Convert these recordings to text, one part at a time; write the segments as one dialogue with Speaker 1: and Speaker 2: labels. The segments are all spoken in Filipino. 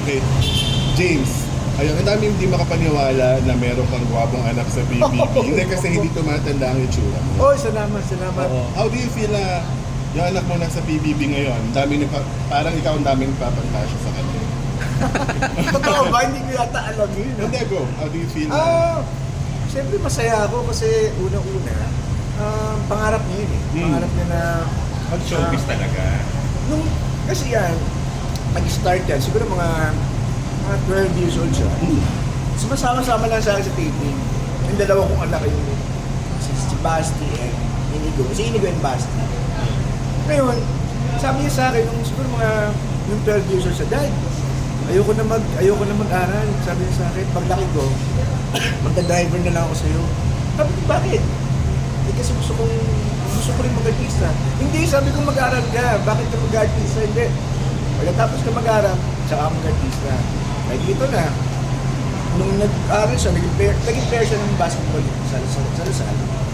Speaker 1: Okay. James, ayun, ang daming hindi makapaniwala na meron kang gwapong anak sa PBB. Hindi kasi hindi tumatanda ang itsura mo.
Speaker 2: Oh, salamat.
Speaker 1: Oo. How do you feel na yung anak mo nasa PBB ngayon? Parang ikaw ang daming papagpasya sa kanya.
Speaker 2: Totoo ba? Hindi ko yata alam yun.
Speaker 1: Hindi, go. How do you feel na?
Speaker 2: Siyempre masaya ako kasi unang-una, pangarap niya yun eh. Pangarap niya na
Speaker 3: Mag-showbiz talaga.
Speaker 2: kasi yan, nag-start yan, siguro mga 12 years old siya. Sumasama-sama lang sa akin sa taping. Yung dalawa kong anak yung si Basti and Inigo. Si Inigo and Basti. Ngayon, sabi niya sa akin, siguro mga yung 12 years old siya, Dad, ayoko na mag-aral. Sabi niya sa akin, paglaki ko, magka-driver na lang ako sa'yo. Sabi ko, bakit? Kasi gusto ko rin mag-artista. Hindi, sabi ko mag-aral ka. Bakit ka mag-artista? Hindi. Pagkatapos ka mag-aral, tsaka mag-artista. Like dito na, nung nag-aral siya, naging player siya ng basketball sa Lasal.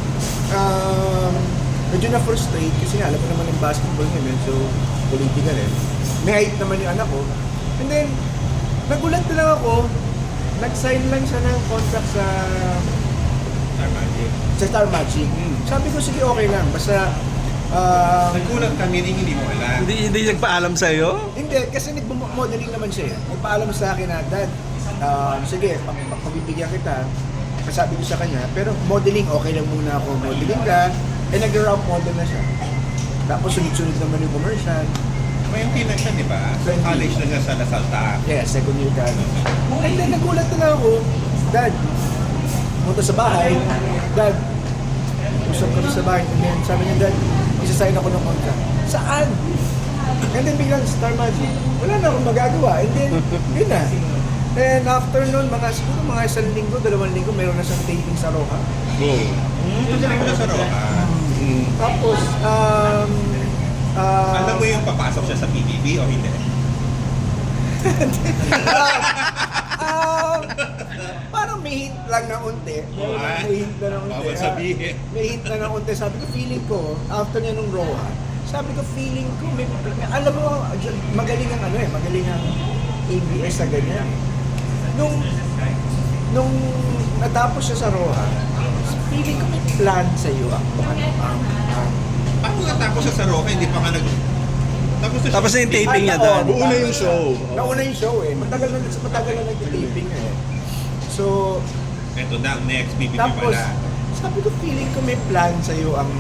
Speaker 2: Medyo na-frustrate kasi nga, alam mo naman yung basketball niya, medyo political eh. May height naman yung anak ko. And then, nagulat na lang ako, nag-sign lang siya ng contract sa Star Magic. Sabi ko, sige, okay lang. Basta,
Speaker 3: Nagkulang kami hindi mo alam.
Speaker 4: Hindi nagpaalam sa'yo?
Speaker 2: hindi, kasi nag-modeling naman siya. Nagpaalam sa akin na, Dad, sige, pagbibigyan kita. Sabi ko sa kanya, pero modeling, okay lang muna ako. Modeling ka, nag-ramp model na siya. Tapos sunod-sunod naman yung commercial.
Speaker 3: May yung na siya, di ba? So,
Speaker 2: 20.
Speaker 3: college na siya sa Lasal Ta.
Speaker 2: Yeah, second year ka. And then nagulat na lang ako, Dad, punta sa bahay, Dad, usap kami sa bahay, and then sabi niya, Dad, isa-sign ako ng contract. Saan? And then biglang Star Magic, wala na akong magagawa, and then, yun na. And after nun, siguro mga isang linggo, 2 linggo, meron na siyang taping sa Roja.
Speaker 3: Ito siya rin sa Roca.
Speaker 2: Tapos,
Speaker 3: Alam mo yung papasok siya sa PBB o hindi?
Speaker 2: parang may hint lang na unti. May hint na ng unti.
Speaker 3: Bawal sabihin.
Speaker 2: May hint na ng unti. Sabi ko, feeling ko, after niya nung Roa, sabi ko, feeling ko, alam mo, magaling ang magaling ang ABS sa ganyan. Nung natapos siya sa Roa, feeling ko may plan sa iyo
Speaker 3: Paano natapos siya sa Roca, hindi pa nga
Speaker 4: Tapos na yung taping niya doon.
Speaker 1: Buo na yung show.
Speaker 2: Nauna yung show eh. Matagal na nag-taping eh. So,
Speaker 3: Ito na, ang next PBB
Speaker 2: tapos,
Speaker 3: pala.
Speaker 2: sabi ko, feeling ko may plan sa'yo ang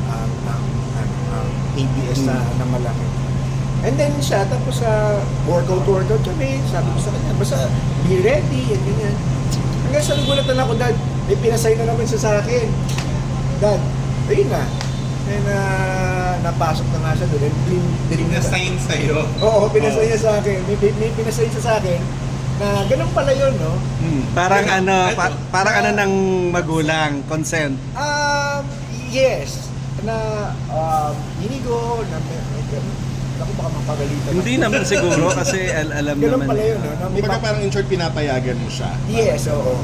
Speaker 2: ABS na malaki. And then siya, tapos workout kami, sabi ko sa kanya, basta be ready, and ganyan. Hanggang sa nagulat na ako, Dad, may pinasay na naman siya sa akin. Dad, ayun na. And napasok na nga siya doon.
Speaker 3: Pinasign sa'yo.
Speaker 2: Oo, pinasay niya sa akin. May pinasay siya sa akin na ganun pala yun, no?
Speaker 4: Parang ano ng magulang, consent.
Speaker 2: Yes. Na Inigo, ako baka mapagalitan.
Speaker 4: Hindi naman siguro kasi alam
Speaker 2: Ganun
Speaker 4: naman
Speaker 2: pala yun,
Speaker 4: niya.
Speaker 2: no?
Speaker 1: Kumbaga parang in short, pinapayagan mo siya.
Speaker 2: Yes, oo.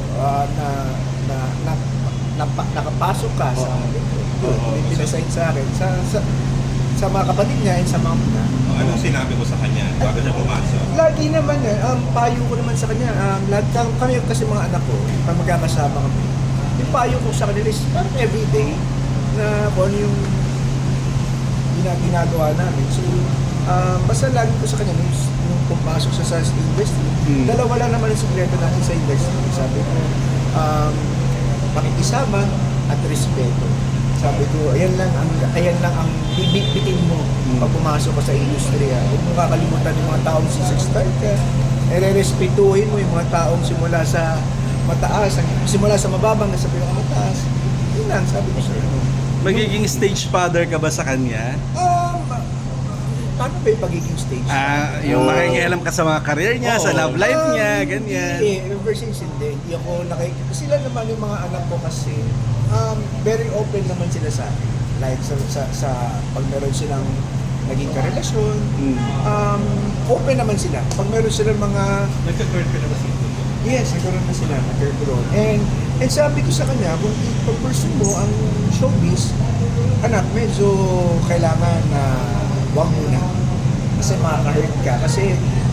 Speaker 2: Nakapasok ka sa may pinasign sa akin. Sa mga kapatid niya and sa mga muna.
Speaker 3: Anong sinabi mo sa kanya bago siya pumasok?
Speaker 2: Lagi naman payo ko naman sa kanya, lahat kami kasi mga anak ko, pag magkakasama kami, yung payo ko sa kanila is parang everyday na kung ano yung ginagawa namin. So, basta lagi ko sa kanya, nung pumasok sa industry, dalawa lang naman ang sikreto natin sa industry. Sabi ko, pakikisama at respeto. Sabi ko, ayan lang ang bibit-bitin mo pag pumasok ka sa industriya. Huwag mo kakalimutan yung mga taong sisig-start ka. Re-respetuhin mo yung mga taong simula sa mataas, simula sa mababang sa pinakamataas. Yun lang, sabi ko sa'yo.
Speaker 4: Magiging stage father ka ba sa kanya?
Speaker 2: Paano ba yung pagiging stage?
Speaker 4: Yung makikialam ka sa mga career niya, sa love life niya, ganyan.
Speaker 2: Hindi, ever since hindi ako sila naman yung mga anak ko kasi, very open naman sila sa akin. Like sa pag meron silang naging karelasyon, open naman sila. Pag meron silang mga...
Speaker 3: Nagka-girlfriend na ba siya?
Speaker 2: Yes, nagkaroon na sila, nagkaroon. And sabi ko sa kanya, kung pag-pursue mo ang showbiz, anak, medyo kailangan na wag muna. Kasi makaka-hurt ka. Kasi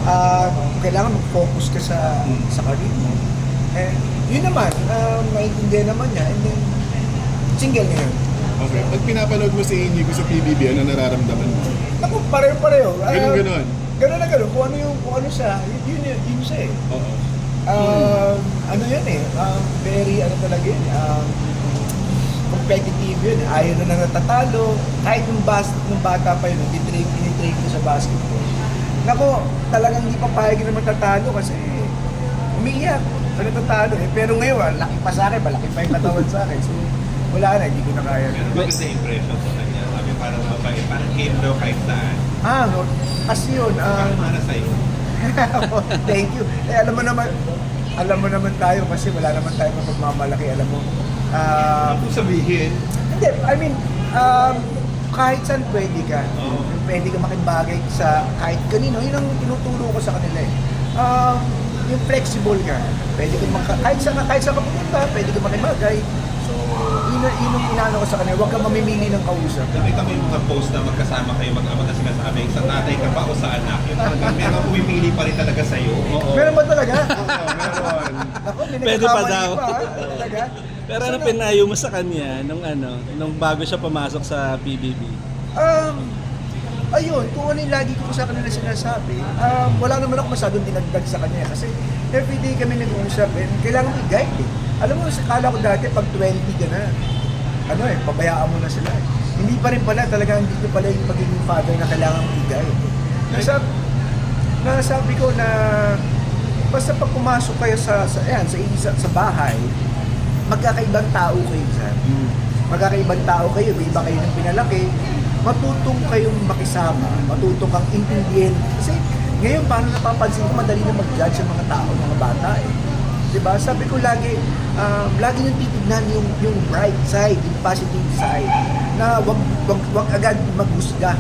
Speaker 2: kailangan mag-focus ka sa career mo. And yun naman, maintindihan naman niya. And then, single na yun.
Speaker 1: Okay. Pag pinapanood mo si Inigo sa PBB, ano nararamdaman mo?
Speaker 2: Ako, pareho-pareho.
Speaker 1: Ganun.
Speaker 2: Ganun na ganun. Kung ano siya, yun siya eh.
Speaker 1: Oo.
Speaker 2: Ano yun eh, very ano talaga yun, competitive yun. Ayaw na nang natatalo. Kahit nung bata pa yun, tinitrain ko sa basketball. Nako, talagang hindi pa payag na matatalo kasi umiiyak pag natatalo eh. Pero ngayon, laki pa sa akin, malaki pa yung katawan sa akin. So, wala na, hindi ko na kaya.
Speaker 3: Pero maganda impression sa kanya. Sabi parang mabait, parang game daw kahit saan.
Speaker 2: No, kasi yun,
Speaker 3: Parang para sa'yo.
Speaker 2: thank you. Eh, alam mo naman tayo kasi wala naman tayong mapagmamalaki, alam mo.
Speaker 3: Kung sabihin,
Speaker 2: Hindi, I mean, kahit saan pwede ka.
Speaker 3: Oo.
Speaker 2: Pwede ka makibagay sa kahit kanino. Yun ang tinuturo ko sa kanila eh. Yung flexible ka. Pwede ka kahit saan ka pumunta, pwede ka makibagay. So, yun ang inaano ko sa kanila. Huwag ka mamimili ng kausap.
Speaker 3: nakita mo yung mga post na magkasama kayo mag-ama na sinasabi, sa tatay ka ba o sa anak? Yung talagang meron pumipili pa rin talaga sa'yo. Oo.
Speaker 2: Meron ba talaga?
Speaker 1: Meron.
Speaker 2: Ako, may
Speaker 4: Pwede pa
Speaker 2: nagkakamali
Speaker 4: daw.
Speaker 2: Talaga?
Speaker 4: Pero ano pinayo mo sa kanya nung bago siya pumasok sa PBB?
Speaker 2: Ayun, kung ano yung lagi ko sa kanila sinasabi, wala naman ako masyadong dinagdag sa kanya kasi everyday kami nag-uusap and kailangan mo i-guide eh. Alam mo, kala ko dati pag 20 ka na, pabayaan mo na sila eh. Hindi pa rin pala, talagang hindi ko pala yung pagiging father na kailangan mo i-guide. Nasabi ko na basta pag pumasok kayo sa bahay, magkakaibang tao kayo dyan. Magkakaibang tao kayo, iba kayo ng pinalaki, matutong kayong makisama, matutong kang intindihin. Kasi ngayon, paano napapansin ko, madali na mag-judge ang mga tao, mga bata eh. Diba? Sabi ko lagi niyong titignan yung bright side, yung positive side, na wag agad maghusga.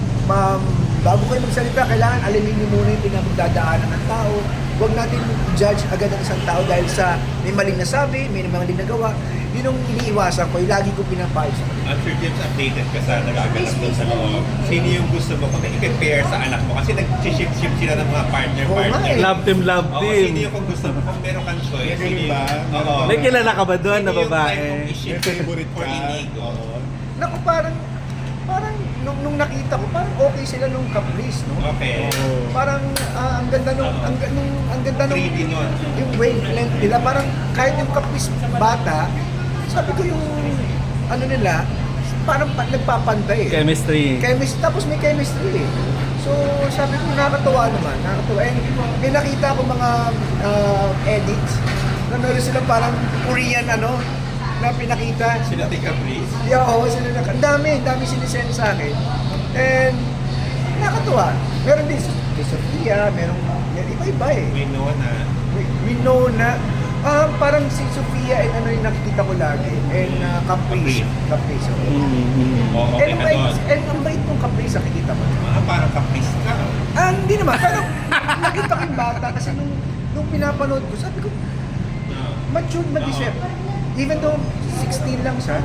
Speaker 2: Bago kayo magsalita, kailangan alamin niyo muna yung pinagdadaanan ng tao. Huwag natin judge agad ang isang tao dahil sa may maling nasabi, may maling nagawa. Yun ang iniiwasan ko, yung lagi ko pinapayo sa kanila.
Speaker 3: Sir James, updated ka sa nagaganap doon sa loob. Sino yung gusto mo kung i-compare sa anak mo? Kasi nag-shift sila ng mga partner.
Speaker 2: Oo nga eh.
Speaker 4: Love team, love
Speaker 3: Oo,
Speaker 4: team.
Speaker 3: sino yung kung gusto mo? Kung meron kang choice,
Speaker 1: May ganun ba?
Speaker 3: Oo.
Speaker 4: May kilala ka ba doon na
Speaker 3: Sino yung
Speaker 4: babae?
Speaker 3: type mong i-shift
Speaker 1: May favorite
Speaker 3: for
Speaker 1: ka?
Speaker 3: Inigo?
Speaker 1: Oo.
Speaker 2: Naku, parang nung nakita ko, parang okay sila nung Caprice, no?
Speaker 3: Okay.
Speaker 2: Parang ang ganda nung, ang ganda nung,
Speaker 3: 3D nun.
Speaker 2: yung wavelength nila, parang kahit yung Caprice bata, sabi ko yung, ano nila, parang nagpapantay eh.
Speaker 4: Chemistry.
Speaker 2: Tapos may chemistry eh. So, sabi ko, nakakatuwa naman, nakakatuwa. And may nakita ko mga edits, na meron silang parang Korean na pinakita.
Speaker 3: Sila Tika Breeze.
Speaker 2: Yeah, oo, ang dami sinisend sa akin. And nakakatuwa. Meron din kay Sofia, iba-iba eh.
Speaker 3: We know na.
Speaker 2: We know na parang si Sofia and yung nakikita ko lagi. And Caprice. Caprice.
Speaker 3: Oo, okay
Speaker 2: And
Speaker 3: ka doon.
Speaker 2: ang bait mong Caprice, nakikita mo.
Speaker 3: Parang kapis ka.
Speaker 2: Hindi naman. Pero nakita ko yung bata kasi nung pinapanood ko, sabi ko, matured, mag-isip. Even though 16 lang siya,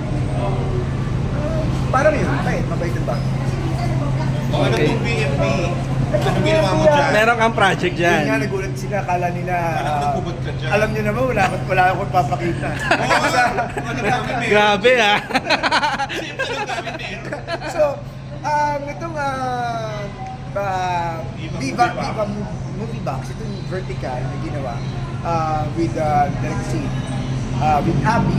Speaker 2: parang yun, mabait ang bata.
Speaker 3: O ano
Speaker 4: Okay.
Speaker 3: yung BFB? Ano ginawa mo dyan?
Speaker 4: Meron kang project
Speaker 2: Yun nga,
Speaker 4: dyan.
Speaker 2: nagulat sila, akala nila,
Speaker 3: Parang nagubot ka dyan.
Speaker 2: alam niyo naman, wala akong papakita.
Speaker 3: Ano gamit mo?
Speaker 4: Grabe ah.
Speaker 3: Ano gamit mo?
Speaker 2: So, itong Viva Movie Box, itong vertical na ginawa with Direct C, with Abby,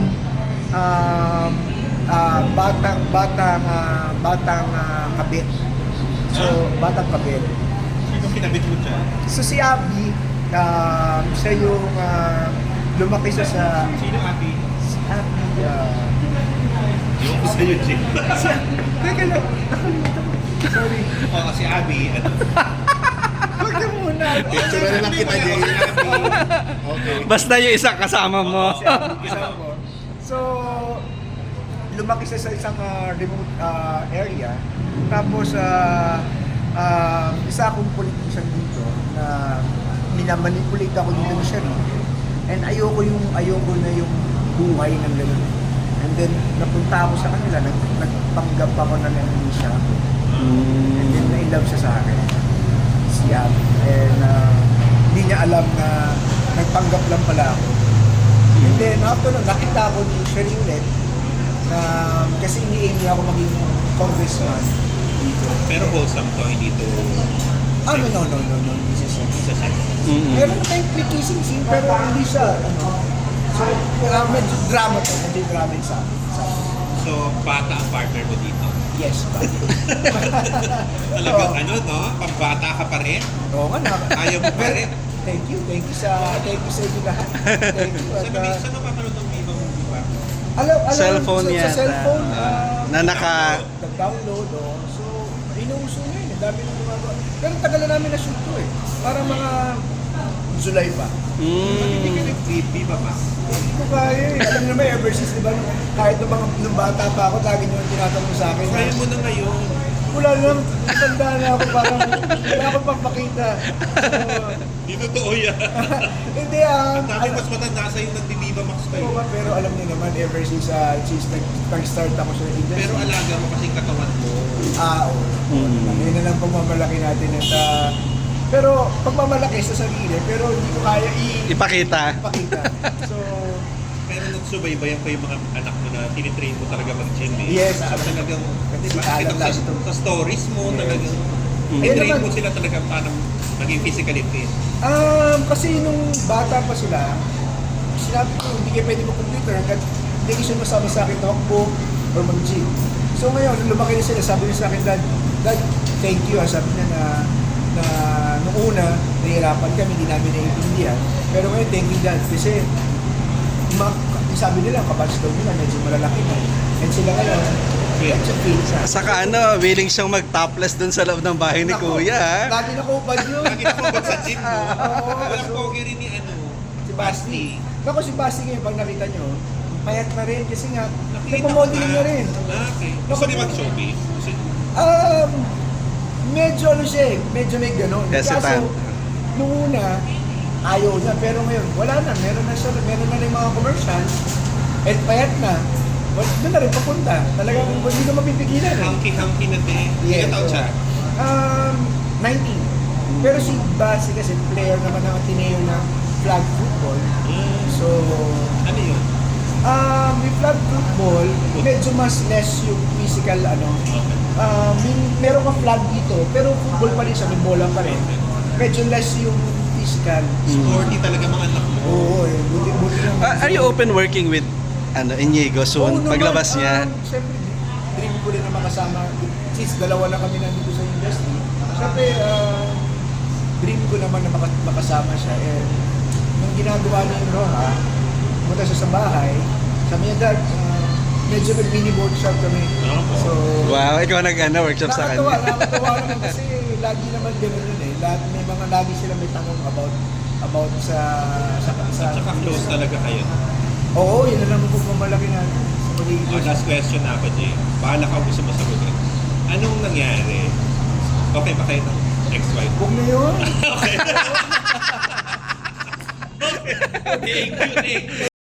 Speaker 2: batang kabit. So, batang kabit.
Speaker 3: Sino kinabit mo dyan?
Speaker 2: So si Abby, siya yung lumaki siya sa...
Speaker 3: Sino Abby?
Speaker 2: Si Abby,
Speaker 3: Yung ko sa'yo, Jim.
Speaker 2: teka lang, nakalimutan ko. Sorry.
Speaker 3: Oo, si Abby. Ano?
Speaker 2: Huwag na muna.
Speaker 1: Picture na lang kita, Jay.
Speaker 3: Si Abby.
Speaker 1: Okay.
Speaker 4: Basta yung isang kasama mo.
Speaker 2: Si Abby, kasama ko. So, lumaki siya sa isang remote area. Tapos, isa akong politician dito na minamanipulate ako dito ni Sherry. And ayoko na yung buhay ng gano'n. And then, napunta ako sa kanila, nagpanggap ako na nangyay siya ako. And then, na-love siya sa akin. Si Abby. And hindi niya alam na nagpanggap lang pala ako. And then after nun, nakita ko ni Sherry ulit na kasi ini-aim niya ako maging congressman dito.
Speaker 3: Pero wholesome to, hindi to
Speaker 2: No. This is
Speaker 3: sa sex.
Speaker 2: meron na tayong may kissing scene pero hindi siya, so, medyo drama to, medyo drama yung sa akin.
Speaker 3: So, bata ang partner mo dito.
Speaker 2: Yes, but...
Speaker 3: Talagang no? Pambata ka pa rin.
Speaker 2: Oo nga na.
Speaker 3: Ayaw mo pa rin.
Speaker 2: Thank you sa inyo lahat. Thank you. At,
Speaker 3: Saan napapanood ng Viva Movie ba?
Speaker 2: alam,
Speaker 4: Cellphone
Speaker 2: sa
Speaker 4: yata.
Speaker 2: cellphone,
Speaker 4: Na naka...
Speaker 2: nag-download, so, inuuso na yun. Ang dami nang gumagawa. Pero tagal na namin na-shoot to eh. Parang mga July pa.
Speaker 3: Hindi ka nag-trip, Viva Max.
Speaker 2: Hindi ko kaya eh. Alam naman, ever since, di ba, kahit nung bata pa ako, lagi nyo tinatanong sa akin.
Speaker 3: Kaya mo na ngayon.
Speaker 2: Wala lang, matanda na ako, parang wala akong pagpakita.
Speaker 3: Hindi totoo yan.
Speaker 2: Hindi
Speaker 3: Ang dami mas matanda sa'yo ng Viva Max kayo.
Speaker 2: pero alam niyo naman, ever since nag-start ako sa industry.
Speaker 3: Pero alaga mo kasing katawan mo.
Speaker 2: Oo. Yun na lang pagmamalaki natin. At, pero pagmamalaki sa sarili, pero hindi ko kaya
Speaker 4: Ipakita.
Speaker 2: ipakita. So,
Speaker 3: Pero nagsubaybayan ko yung mga anak mo na tinitrain mo talaga mag-gym eh.
Speaker 2: Yes,
Speaker 3: So talagang,
Speaker 2: kasi
Speaker 3: makikita
Speaker 2: alam
Speaker 3: ko
Speaker 2: natin ito.
Speaker 3: sa stories mo,
Speaker 2: Yes.
Speaker 3: talagang,
Speaker 2: Eh,
Speaker 3: train
Speaker 2: naman-
Speaker 3: mo sila talaga paano maging physically fit.
Speaker 2: kasi nung bata pa sila, sinabi ko, hindi kayo pwede mag-computer hanggat hindi kayo siya masama sa akin takbo or mag-gym. So ngayon, nung lumaki na sila, sabi niya sa akin, Dad, thank you. Sabi niya na nung una, nahihirapan kami, hindi namin naiintindihan. Pero ngayon, thank you Dad. Kasi, sabi nila, kabatch daw nila, medyo malalaki na. And sila ngayon, medyo fit siya.
Speaker 4: Saka willing siyang mag-topless dun sa loob ng bahay ni
Speaker 2: Nako,
Speaker 4: Kuya. ha?
Speaker 2: Lagi na ko ubad yun.
Speaker 3: Lagi na kumabag sa gym, no?
Speaker 2: Oo.
Speaker 3: Walang pogi rin ni
Speaker 2: Si Basti. Naku, si Basti ngayon, pag nakita nyo, payat na rin kasi nga,
Speaker 3: Nakita ko
Speaker 2: nagpamodeling
Speaker 3: na.
Speaker 2: na rin.
Speaker 3: Okay. Gusto niya mag-showbiz?
Speaker 2: Medyo siya eh, medyo may gano'n.
Speaker 4: Hesitant.
Speaker 2: Nung una, ayaw niya, pero ngayon, wala na. Meron na rin mga commercials, at payat na. Doon na rin papunta. Talagang hindi na mapipigilan eh.
Speaker 3: Hangki-hangki na din.
Speaker 2: Yes.
Speaker 3: Ilan taon siya?
Speaker 2: 19. Pero si Basi kasi player naman ng Ateneo ng flag football. So,
Speaker 3: Ano yun?
Speaker 2: with flag football, medyo mas less yung physical meron ka flag dito, pero football pa rin siya, may bola pa rin. Medyo less yung physical.
Speaker 3: Sporty talaga mga anak mo.
Speaker 2: Oo eh, buti naman.
Speaker 4: Are you open working with Inigo
Speaker 2: Oo
Speaker 4: soon?
Speaker 2: naman,
Speaker 4: Paglabas niya?
Speaker 2: Siyempre, dream ko rin na makasama. Since dalawa lang kami nandito sa industry. Siyempre, dream ko naman na makasama siya. And nung ginagawa niya yung Roha, pumunta siya sa bahay, sabi niya, Dad, medyo nag-mini workshop kami. So,
Speaker 4: Wow, ikaw workshop sa kanya.
Speaker 2: nakakatawa naman kasi lagi naman gano'n yun eh. Lagi sila may tanong about sa
Speaker 3: At saka close talaga kayo.
Speaker 2: Oo, yun na naman po pumalaki natin sa pagiging
Speaker 3: Last question na ako, Jay. Bahala ka kung gusto mo sagutin. Anong nangyari? Okay ba kayo ng ex-wife?
Speaker 2: Huwag na yun.
Speaker 3: Okay. Thank you, thank you.